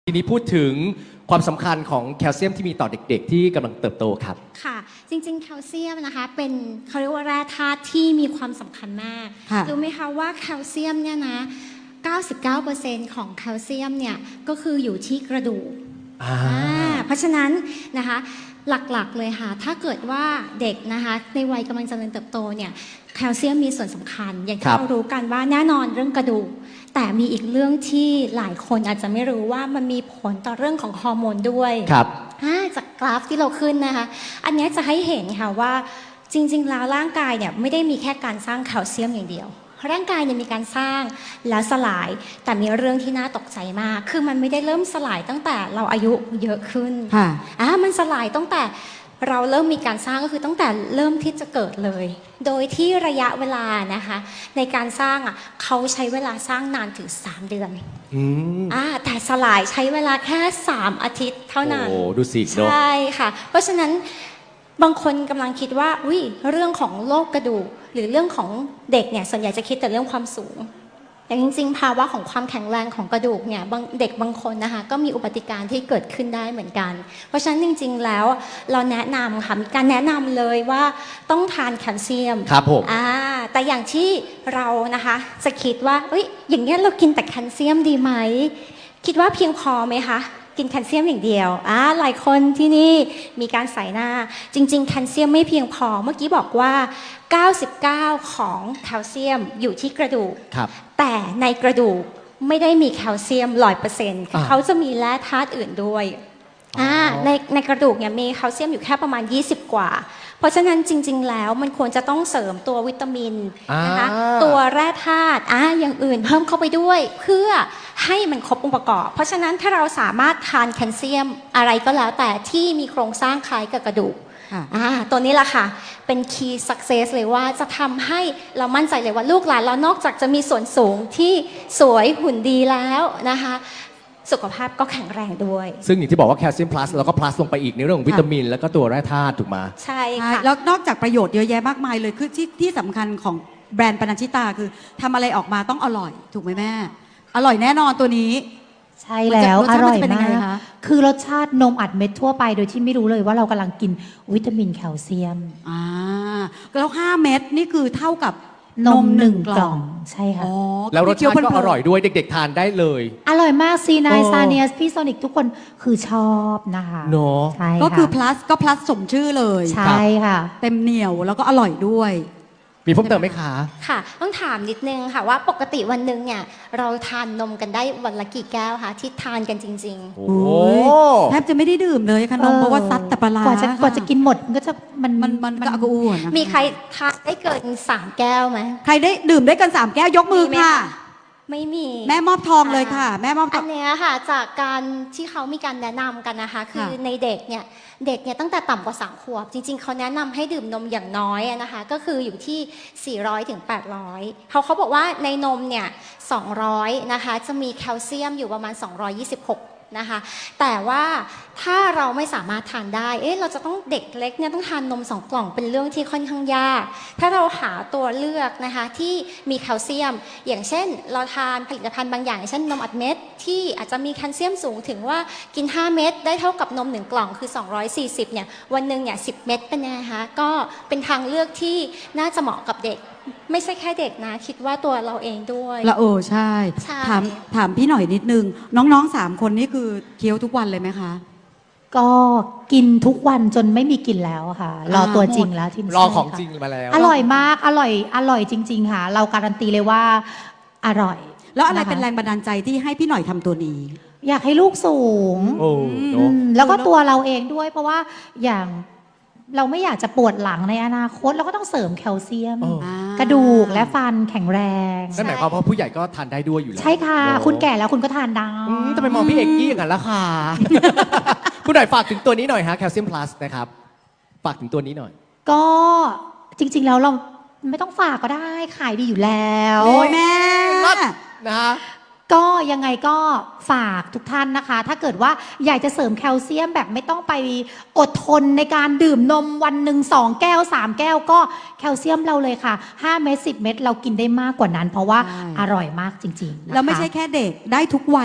ทีนี้พูดถึงความสำคัญของแคลเซียมที่มีต่อเด็กๆที่กำลังเติบโตครับค่ะจริงๆแคลเซียมนะคะเป็นเขาเรียกว่าแร่ธาตุที่มีความสำคัญมากรู้ไหมคะว่าแคลเซียมเนี่ยนะ 99% ของแคลเซียมเนี่ยก็คืออยู่ที่กระดูกเพราะฉะนั้นนะคะหลักๆเลยค่ะถ้าเกิดว่าเด็กนะคะในวัยกำลังเจริญเติบโตเนี่ยแคลเซียมมีส่วนสำคัญอย่างที่เรารู้กันว่าแน่นอนเรื่องกระดูกแต่มีอีกเรื่องที่หลายคนอาจจะไม่รู้ว่ามันมีผลต่อเรื่องของฮอร์โมนด้วยครับจากกราฟที่เราขึ้นนะคะอันนี้จะให้เห็นค่ะว่าจริงๆแล้วร่างกายเนี่ยไม่ได้มีแค่การสร้างแคลเซียมอย่างเดียวร่างกายเนี่ยมีการสร้างแล้วสลายแต่มีเรื่องที่น่าตกใจมากคือมันไม่ได้เริ่มสลายตั้งแต่เราอายุเยอะขึ้นมันสลายตั้งแต่เราเริ่มมีการสร้างก็คือตั้งแต่เริ่มที่จะเกิดเลยโดยที่ระยะเวลานะคะในการสร้างเขาใช้เวลาสร้างนานถึง3 เดือนแต่สลายใช้เวลาแค่3 อาทิตย์เท่านั้นโอ้ดูสิใช่ค่ะเพราะฉะนั้นบางคนกำลังคิดว่าเรื่องของโรคกระดูกหรือเรื่องของเด็กเนี่ยส่วนใหญ่จะคิดแต่เรื่องความสูงแต่จริงๆภาวะของความแข็งแรงของกระดูกเนี่ยเด็กบางคนนะคะก็มีอุบัติการณ์ที่เกิดขึ้นได้เหมือนกันเพราะฉะนั้นจริงๆแล้วเราแนะนำค่ะมีการแนะนำเลยว่าต้องทานแคลเซียมครับผมแต่อย่างที่เรานะคะจะคิดว่าอย่างนี้เรากินแต่แคลเซียมดีไหมคิดว่าเพียงพอไหมคะกินแคลเซียมอย่างเดียวหลายคนที่นี่มีการใส่หน้าจริงๆแคลเซียมไม่เพียงพอเมื่อกี้บอกว่า99ของแคลเซียมอยู่ที่กระดูกแต่ในกระดูกไม่ได้มีแคลเซียม 100% เขาจะมีแร่ธาตุอื่นด้วยในกระดูกเนี่ยมีแคลเซียมอยู่แค่ประมาณ20 กว่าเพราะฉะนั้นจริงๆแล้วมันควรจะต้องเสริมตัววิตามินนะคะตัวแร่ธาตุอย่างอื่นเพิ่มเข้าไปด้วยเพื่อให้มันครบองค์ประกอบเพราะฉะนั้นถ้าเราสามารถทานแคลเซียมอะไรก็แล้วแต่ที่มีโครงสร้างคล้ายกับกระดูกตัวนี้แหละค่ะเป็น key success เลยว่าจะทำให้เรามั่นใจเลยว่าลูกหลานเรานอกจากจะมีส่วนสูงที่สวยหุ่นดีแล้วนะคะสุขภาพก็แข็งแรงด้วยซึ่งอย่างที่บอกว่าแคลเซียมพลัสแล้วก็พลัสลงไปอีกในเรื่องของวิตามินแล้วก็ตัวแร่ธาตุถูกไหมใช่ค่ะแล้วนอกจากประโยชน์เยอะแยะมากมายเลยคือที่สำคัญของแบรนด์ปนัญชิตาคือทำอะไรออกมาต้องอร่อยถูกไหมแม่อร่อยแน่นอนตัวนี้ใช่แล้วอร่อยมากคือรสชาตินมอัดเม็ดทั่วไปโดยที่ไม่รู้เลยว่าเรากำลังกินวิตามินแคลเซียมแล้ว5 เม็ดนี่คือเท่ากับนม1 กล่องใช่ค่ะแล้วรสชาติก็อร่อยด้วยเด็กๆทานได้เลยอร่อยมากซีนายซาเนียสพี่โซนิกทุกคนคือชอบนะคะเนาะก็คือ plus ก็ plus สมชื่อเลยใช่ค่ะเต็มเหนียวแล้วก็อร่อยด้วยมีเพิ่มเติมไหมคะค่ะต้องถามนิดนึงค่ะว่าปกติวันหนึ่งเนี่ยเราทานนมกันได้วันละกี่แก้วคะที่ทานกันจริงๆโอ้แทบจะไม่ได้ดื่มเลยค่ะนมเพราะว่าซัดแต่ปลากว่าจะกินหมดก็จะมันก็อ้วนมีใครทานได้เกิน3 แก้วไหมใครได้ดื่มได้เกิน3 แก้วยกมือค่ะไม่มีแม่มอบทองเลยค่ะแม่มอบทองอันนี้ค่ะจากการที่เขามีการแนะนำกันนะคะคือในเด็กเนี่ยตั้งแต่ต่ำกว่า3 ขวบจริงๆเขาแนะนำให้ดื่มนมอย่างน้อยนะคะก็คืออยู่ที่400 ถึง 800เขาบอกว่าในนมเนี่ย200นะคะจะมีแคลเซียมอยู่ประมาณ226นะคะแต่ว่าถ้าเราไม่สามารถทานได้เราจะต้องเด็กเล็กเนี่ยต้องทานนม2 กล่องเป็นเรื่องที่ค่อนข้างยากถ้าเราหาตัวเลือกนะคะที่มีแคลเซียมอย่างเช่นเราทานผลิตภัณฑ์บางอย่างเช่นนมอัดเม็ดที่อาจจะมีแคลเซียมสูงถึงว่ากิน5 เม็ดได้เท่ากับนม1 กล่องคือ240เนี่ยวันหนึ่งเนี่ย10 เม็ดเป็นไงคะก็เป็นทางเลือกที่น่าจะเหมาะกับเด็กไม่ใช่แค่เด็กนะคิดว่าตัวเราเองด้วยละใช่ถามพี่หน่อยนิดนึงน้องๆ3 คนนี่คือเคี้ยวทุกวันเลยไหมคะก็กินทุกวันจนไม่มีกินแล้วค่ะรอตัวจริงแล้วที่รอของจริงมาแล้วอร่อยมากอร่อยจริงๆค่ะเราการันตีเลยว่าอร่อยแล้วอะไรเป็นแรงบันดาลใจที่ให้พี่หน่อยทำตัวนี้อยากให้ลูกสูงแล้วก็ตัวเราเองด้วยเพราะว่าอย่างเราไม่อยากจะปวดหลังในอนาคตเราก็ต้องเสริมแคลเซียมกระดูกและฟันแข็งแรงนั่นหมายความว่าผู้ใหญ่ก็ทานได้ด้วยอยู่แล้วใช่ค่ะคุณแก่แล้วคุณก็ทานได้ทำไมมองพี่เอกกี้อย่างนั้นล่ะค่ะคุณหน่อยฝากถึงตัวนี้หน่อยฮะแคลเซียมพลัสนะครับฝากถึงตัวนี้หน่อยก็จริงๆแล้วเราไม่ต้องฝากก็ได้ขายดีอยู่แล้วโอ้ยแม่นะฮะก็ยังไงก็ฝากทุกท่านนะคะถ้าเกิดว่าอยากจะเสริมแคลเซียมแบบไม่ต้องไปอดทนในการดื่มนมวันหนึ่ง2 แก้ว3 แก้วก็แคลเซียมเราเลยค่ะ5 เม็ด10 เม็ดเรากินได้มากกว่านั้นเพราะว่าอร่อยมากจริงๆแล้วไม่ใช่แค่เด็กได้ทุกวัน